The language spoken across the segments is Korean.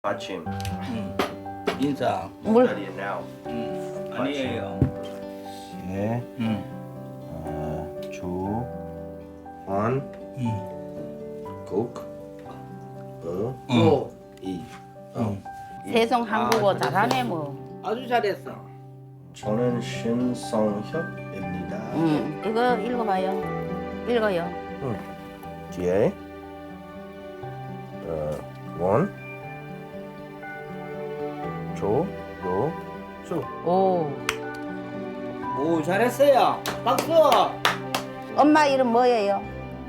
아침 인사. 물. 자리에 now 아니에요. 예 주, 환, 국, 오, 이. 세송 한국어 잘하네 뭐. 아주 잘했어. 저는 신성혁입니다. 이거 읽어봐요. 읽어요. 뒤에 원, 조, 로, 수. 오. 오, 잘했어요. 박수. 엄마 이름 뭐예요?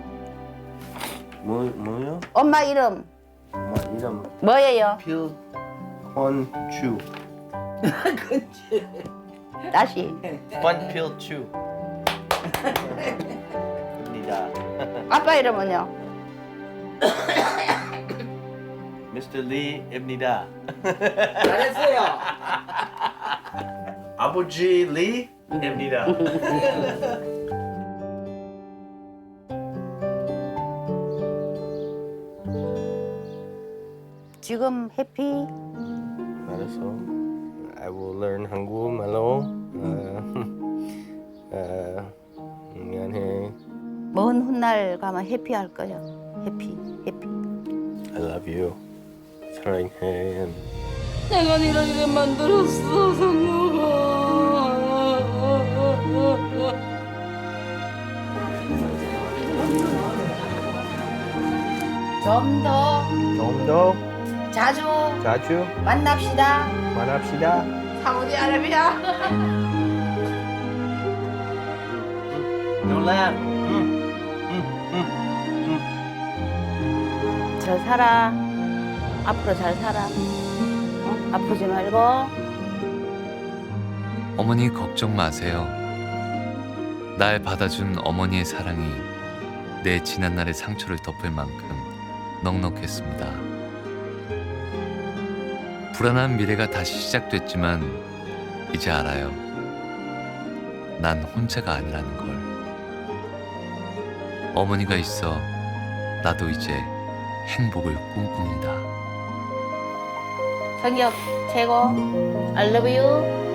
뭐요? 엄마 이름 엄마 이름 뭐예요? 권주. 그치. 다시. 권필주. 입니다. 아빠 이름은요? Mr. Lee입니다. 잘했어요. 아버지 리입니다. 지금 해피? 알았어. I will learn 한국말로. 미안해. 먼 훗날 가면 해피 할 거야. 해피. I love you. 사랑해. 내가 이렇게 만들었어, 성모가. 좀 더 좀 더 자주 자주 만납시다. 만납시다. 사우디아라비아. 놀란. 잘 살아. 앞으로 잘 살아. 아프지 말고. 어머니 걱정 마세요. 날 받아준 어머니의 사랑이 내 지난날의 상처를 덮을 만큼 넉넉했습니다. 불안한 미래가 다시 시작됐지만 이제 알아요. 난 혼자가 아니라는 걸. 어머니가 있어 나도 이제 행복을 꿈꿉니다. 성격 최고. I love you.